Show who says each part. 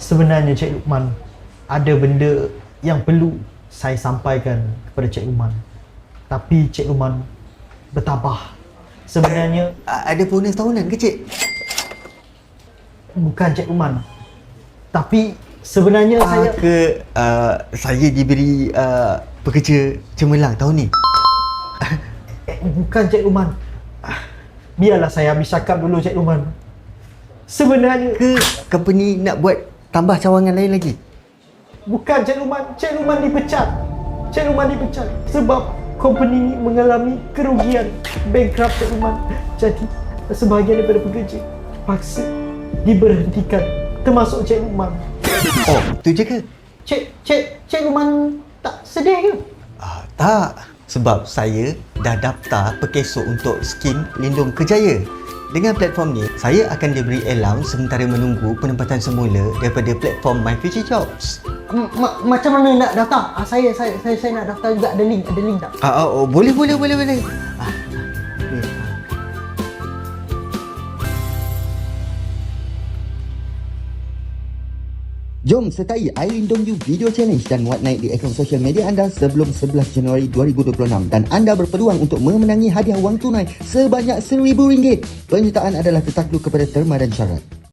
Speaker 1: Sebenarnya Cik Luqman, ada benda yang perlu saya sampaikan kepada Cik Luqman. Tapi Cik Luqman bertabah. Sebenarnya
Speaker 2: Ada bonus tahunan ke, Cik?
Speaker 1: bukan Cik Luqman. Tapi sebenarnya
Speaker 2: Saya diberi pekerja cemerlang tahun ni?
Speaker 1: bukan Cik Luqman. Biarlah saya habis cakap dulu Cik Luqman. Sebenarnya
Speaker 2: Ke company nak buat tambah cawangan lain lagi?
Speaker 1: bukan Cik Luqman. Cik Luqman dipecat. Cik Luqman dipecat sebab company ni mengalami kerugian, bankrupt Cik Luqman. Jadi sebahagian daripada pekerja paksa diberhentikan, termasuk Cik Luqman.
Speaker 2: Oh, tu je ke?
Speaker 1: Cik Luqman tak sedih ke?
Speaker 2: Tak. Sebab saya dah daftar perkesok untuk skim Lindung Kerjaya. Dengan platform ni, saya akan diberi allowance sementara menunggu penempatan semula daripada platform My Future Jobs.
Speaker 1: Macam mana nak daftar? Saya nak daftar juga. Ada link tak?
Speaker 2: Boleh. Jom sertai I Lindung You Video Challenge dan muat naik di akaun sosial media anda sebelum 11 Januari 2026 dan anda berpeluang untuk memenangi hadiah wang tunai sebanyak RM1,000. Penyertaan adalah tertakluk kepada terma dan syarat.